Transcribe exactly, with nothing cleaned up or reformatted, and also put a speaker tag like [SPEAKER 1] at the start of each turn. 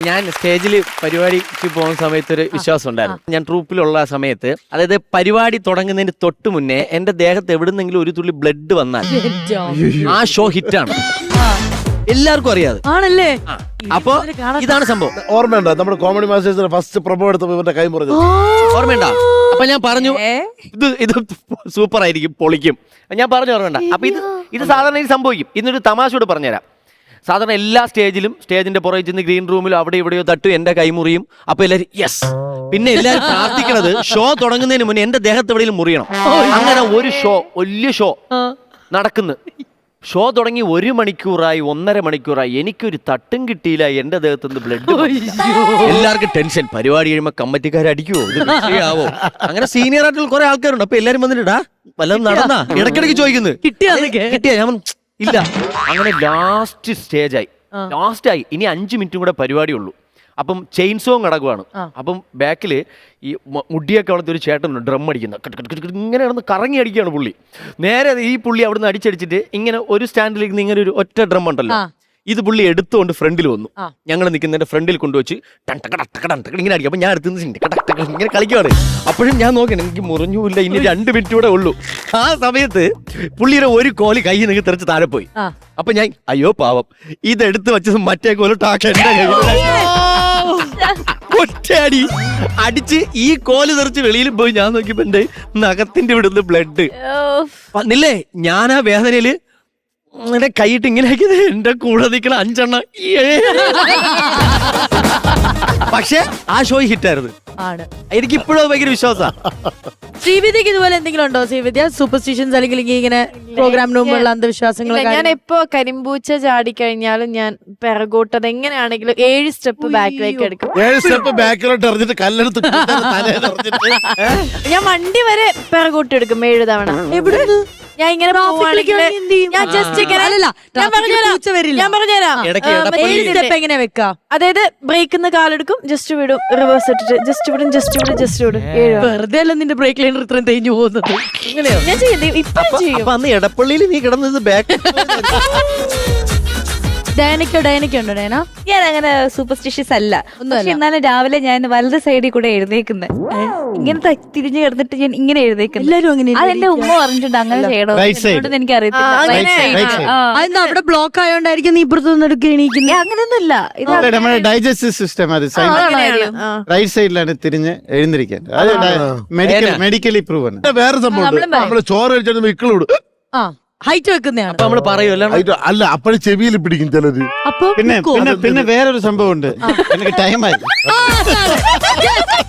[SPEAKER 1] ഞാൻ സ്റ്റേജിൽ പരിപാടിക്ക് പോകുന്ന സമയത്ത് ഒരു വിശ്വാസം ഉണ്ടായിരുന്നു. ഞാൻ ട്രൂപ്പിലുള്ള സമയത്ത്, അതായത് പരിപാടി തുടങ്ങുന്നതിന് തൊട്ട് മുന്നേ എന്റെ ദേഹത്ത് എവിടുന്നെങ്കിലും ഒരു തുള്ളി ബ്ലഡ് വന്നാൽ ആ ഷോ ഹിറ്റാണ്. എല്ലാവർക്കും അറിയാതെ
[SPEAKER 2] ആണല്ലേ.
[SPEAKER 1] അപ്പൊ ഇതാണ് സംഭവം.
[SPEAKER 3] ഓർമ്മയുണ്ടോ നമ്മുടെ കോമഡി മാസ്റ്റേഴ്സിന്റെ ഫസ്റ്റ് പ്രൊമോ എടുത്തപ്പോ ഇവന്റെ കൈ മുറിഞ്ഞു?
[SPEAKER 1] ഓർമ്മയുണ്ടോ? അപ്പൊ ഞാൻ പറഞ്ഞു ഇത് ഇത് സൂപ്പർ ആയിരിക്കും, പൊളിക്കും. ഞാൻ പറഞ്ഞു ഓർമ്മയുണ്ട. അപ്പൊ ഇത് ഇത് സാധാരണ ഇത് സംഭവിക്കും. ഇന്നൊരു തമാശയോട് പറഞ്ഞുതരാം. സാധാരണ എല്ലാ സ്റ്റേജിലും സ്റ്റേജിന്റെ പുറകെ ചെന്ന് ഗ്രീൻ റൂമിലും അവിടെ ഇവിടെയോ തട്ടും, എന്റെ കൈമുറിയും. അപ്പൊ എല്ലാവരും യെസ്. പിന്നെ എല്ലാവരും പ്രാർത്ഥിക്കണത് ഷോ തുടങ്ങുന്നതിന് മുന്നേ എന്റെ ദേഹത്ത് എവിടെയും മുറിയണം. അങ്ങനെ ഒരു ഷോ, വലിയ ഷോ നടക്കുന്നു. ഷോ തുടങ്ങി ഒരു മണിക്കൂറായി, ഒന്നര മണിക്കൂറായി, എനിക്കൊരു തട്ടും കിട്ടിയില്ല. എന്റെ ദേഹത്ത് നിന്ന് ബ്ലഡ്. എല്ലാവർക്കും ടെൻഷൻ. പരിപാടി കഴിയുമ്പോ കമ്മിറ്റിക്കാർ അടിക്കുവോ, ഇത് വിഷയാവോ? അങ്ങനെ സീനിയർ ആയിട്ടുള്ള കുറെ ആൾക്കാരുണ്ട്. അപ്പൊ എല്ലാരും വന്നിട്ടാ വല്ലതും നടന്നാ ഇടയ്ക്കിടയ്ക്ക് ചോദിക്കുന്നത് കിട്ടിയാ. ഞാൻ ഇല്ല. അങ്ങനെ ലാസ്റ്റ് സ്റ്റേജായി, ലാസ്റ്റ് ആയി. ഇനി അഞ്ചു മിനിറ്റും കൂടെ പരിപാടി ഉള്ളൂ. അപ്പം ചെയിൻ സോങ് കിടക്കുവാണ്. അപ്പം ബാക്കിൽ ഈ മുടിയൊക്കെ അവിടുത്തെ ഒരു ചേട്ടനുണ്ട്, ഡ്രം അടിക്കുന്ന. ഇങ്ങനെ കിടന്ന് കറങ്ങി അടിക്കുകയാണ് പുള്ളി. നേരെ ഈ പുള്ളി അവിടുന്ന് അടിച്ചടിച്ചിട്ട് ഇങ്ങനെ ഒരു സ്റ്റാൻഡിൽ ഇരുന്ന് ഇങ്ങനെ ഒരു ഒറ്റ ഡ്രം ഉണ്ടല്ലോ, ഇത് പുള്ളി എടുത്തുകൊണ്ട് ഫ്രണ്ടിൽ വന്നു. ഞങ്ങൾ നിൽക്കുന്നതിന്റെ ഫ്രണ്ടിൽ കൊണ്ടുവച്ച് ഇങ്ങനെ അടിക്കും. അപ്പൊ ഞാൻ എടുത്ത് ഇങ്ങനെ കളിക്കുവാണ്. അപ്പോഴും ഞാൻ നോക്കണം, എനിക്ക് മുറിഞ്ഞൂല്ല, ഇനി രണ്ട് മിനിറ്റ് കൂടെ ഉള്ളൂ. ആ സമയത്ത് പുള്ളിയുടെ ഒരു കോല് കൈ നിങ്ങൾ തെറിച്ച് താഴെ പോയി. അപ്പൊ ഞാൻ അയ്യോ പാവം, ഇതെടുത്ത് വെച്ചത് മറ്റേ കോല് ടാക്ക ഒറ്റയടി അടിച്ച് ഈ കോല് തെറിച്ച് വെളിയിൽ പോയി. ഞാൻ നോക്കിയപ്പോ എന്റെ നഖത്തിന്റെ ഇവിടുന്ന് ബ്ലഡ് വന്നില്ലേ. ഞാൻ ആ വേദനയില് എന്റെ കൈയിട്ട് ഇങ്ങനെ ആക്കിയത് എന്റെ കൂടെ നിൽക്കണ അഞ്ചെണ്ണം. പക്ഷെ ആ ഷോ ഹിറ്റായിരുന്നു. എനിക്ക് ഇപ്പോഴും ഭയങ്കര വിശ്വാസമാണ്.
[SPEAKER 2] ശ്രീവിദ്യക്ക് ഇതുപോലെ എന്തെങ്കിലും ഉണ്ടോ? ശ്രീവിദ്യ സൂപ്പർസ്റ്റിഷൻസ് അല്ലെങ്കിൽ ഇങ്ങനെ പ്രോഗ്രാമിന് മുമ്പുള്ള അന്ധവിശ്വാസങ്ങൾ?
[SPEAKER 4] ഞാൻ എപ്പോ കരിമ്പൂച്ച ചാടി കഴിഞ്ഞാലും ഞാൻ പിറകോട്ടത് എങ്ങനെയാണെങ്കിലും ഏഴ് സ്റ്റെപ്പ് ബാക്കിലേക്ക് എടുക്കും.
[SPEAKER 3] ഏഴ് സ്റ്റെപ്പ് ബാക്കിലോട്ട് എറിഞ്ഞിട്ട് കല്ലെടുത്ത്
[SPEAKER 4] ഞാൻ വണ്ടി വരെ പിറകോട്ട് എടുക്കും ഏഴ് തവണ.
[SPEAKER 2] എവിടെ
[SPEAKER 4] ഞാൻ ഇങ്ങനെ ഞാൻ ജസ്റ്റ് ഞാൻ പറഞ്ഞുതരാം.
[SPEAKER 2] എങ്ങനെ വെക്കാം?
[SPEAKER 4] അതായത് ബ്രേക്കിന്ന് കാലെടുക്കും, ജസ്റ്റ് വിടും, റിവേഴ്സ് ഇട്ടിട്ട് ജസ്റ്റ് വിടും, ജസ്റ്റ് വിടും, ജസ്റ്റ് വിടും.
[SPEAKER 2] വെറുതെ അല്ല നിന്റെ ബ്രേക്ക് ലൈനർ ഇത്രയും തേഞ്ഞു പോകുന്നത്.
[SPEAKER 4] ഞാൻ ചെയ്യും, ഇപ്പൊ ചെയ്യും.
[SPEAKER 1] അന്ന് എടപ്പള്ളിയിൽ നീ കിടന്നത് ബാക്ക്.
[SPEAKER 2] ഡയനക്കോ ഡയനക്കോ ഉണ്ടോ ഡയന?
[SPEAKER 5] ഞാൻ അങ്ങനെ സൂപ്പർസ്റ്റിഷ്യസ് അല്ല. എന്നാലും രാവിലെ ഞാൻ വലത് സൈഡിൽ കൂടെ എഴുന്നേക്കുന്നത്. ഇങ്ങനെ തിരിഞ്ഞു കിടന്നിട്ട് ഞാൻ ഇങ്ങനെ എഴുന്നേക്കുന്നത്.
[SPEAKER 2] എല്ലാരും അങ്ങനെ.
[SPEAKER 5] അതെന്റെ ഉമ്മ പറഞ്ഞിട്ടുണ്ട് അങ്ങനെ ചെയ്യണോ. എനിക്ക് അറിയത്തില്ല.
[SPEAKER 2] അവിടെ ബ്ലോക്ക് ആയോണ്ടായിരിക്കും നീ ഇപ്പുറത്ത് നിന്നെടുക്കുക എണീക്കുന്നത്.
[SPEAKER 5] അങ്ങനെയൊന്നുമില്ല.
[SPEAKER 6] നമ്മുടെ ഡൈജസ്റ്റീവ് സിസ്റ്റം അത് റൈറ്റ് സൈഡിലാണ് തിരിഞ്ഞ് എഴുന്നിരിക്കാൻ. അത് മെഡിക്കൽ മെഡിക്കലി പ്രൂവ് ആണ്.
[SPEAKER 3] വേറെ സംഭവം, നമ്മള് ചോറ് കഴിച്ചാൽ വിക്കളോട്
[SPEAKER 2] ആ ഹൈറ്റ് വെക്കുന്നതാണ്.
[SPEAKER 1] അപ്പൊ നമ്മള് പറയുമല്ലോ
[SPEAKER 3] അല്ല, അപ്പോഴും ചെവിയിൽ പിടിക്കും ചിലര്.
[SPEAKER 2] അപ്പൊ
[SPEAKER 6] പിന്നെ പിന്നെ പിന്നെ വേറൊരു സംഭവം ഉണ്ട്. എനിക്ക് ടൈമായി.